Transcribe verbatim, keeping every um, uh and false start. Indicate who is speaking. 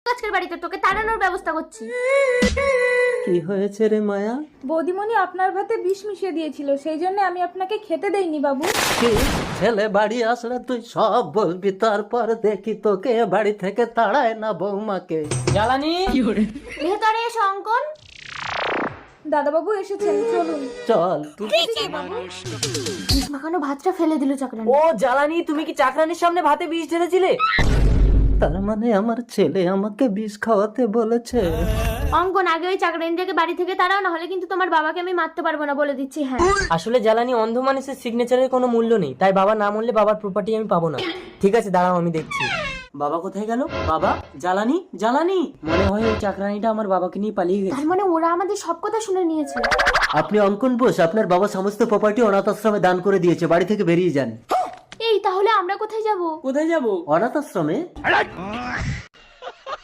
Speaker 1: আজকের বাড়িতে তোকে তাড়ানোর ব্যবস্থা করছি।
Speaker 2: কি হয়েছে রে মায়া?
Speaker 3: বৌদিমণি আপনার ভাতে বিষ মিশিয়ে দিয়েছিল, সেই জন্য আমি আপনাকে খেতে দেইনি বাবু।
Speaker 2: কি ছেলে বাড়ি আসলে তুই সব বলবি, তারপর দেখি তোকে বাড়ি থেকে তাড়ায় না বৌমাকে।
Speaker 4: জ্বালানি
Speaker 1: ভেতরে এসো অঙ্কন।
Speaker 3: দাদাবাবু এসেছেন, চলুন।
Speaker 2: চল।
Speaker 1: বিষ মাখানো ভাতটা ফেলে দিল চাকরানি।
Speaker 4: ও জ্বালানি, তুমি কি চাকরানির সামনে ভাতে বিষ ঢেলেছিলে?
Speaker 2: তার মানে আমার ছেলে আমাকে বিষ খাওয়াতে বলেছে।
Speaker 1: অঙ্কন, আগে ওই চাকরানিটাকে বাড়ি থেকে তাড়াও, না হলে কিন্তু তোমার বাবাকে আমি মারতে পারবো না, বলে দিচ্ছি। হ্যাঁ,
Speaker 4: আসলে জ্বালানি, অন্ধ মানুষের সিগনেচারের কোনো মূল্য নেই, তাই বাবা না মরলে বাবার প্রপার্টি আমি পাবো না। ঠিক আছে, দাঁড়াও আমি দেখছি। বাবা কোথায় গেল? বাবা, জ্বালানি, জ্বালানি, মনে হয় ওই চাকরানিটা আমার বাবাকে নিয়ে পালিয়ে গেছে।
Speaker 1: তার মানে ওরা আমাদের সব কথা শুনে নিয়েছে।
Speaker 2: আপনি অঙ্কন বোস, আপনার বাবা সমস্ত প্রপার্টি অনাথ আশ্রমে দান করে দিয়েছে, বাড়ি থেকে বেরিয়ে যান।
Speaker 1: এই তাহলে আমরা কোথায় যাব?
Speaker 4: কোথায় যাবো?
Speaker 2: অনাথ আশ্রমে?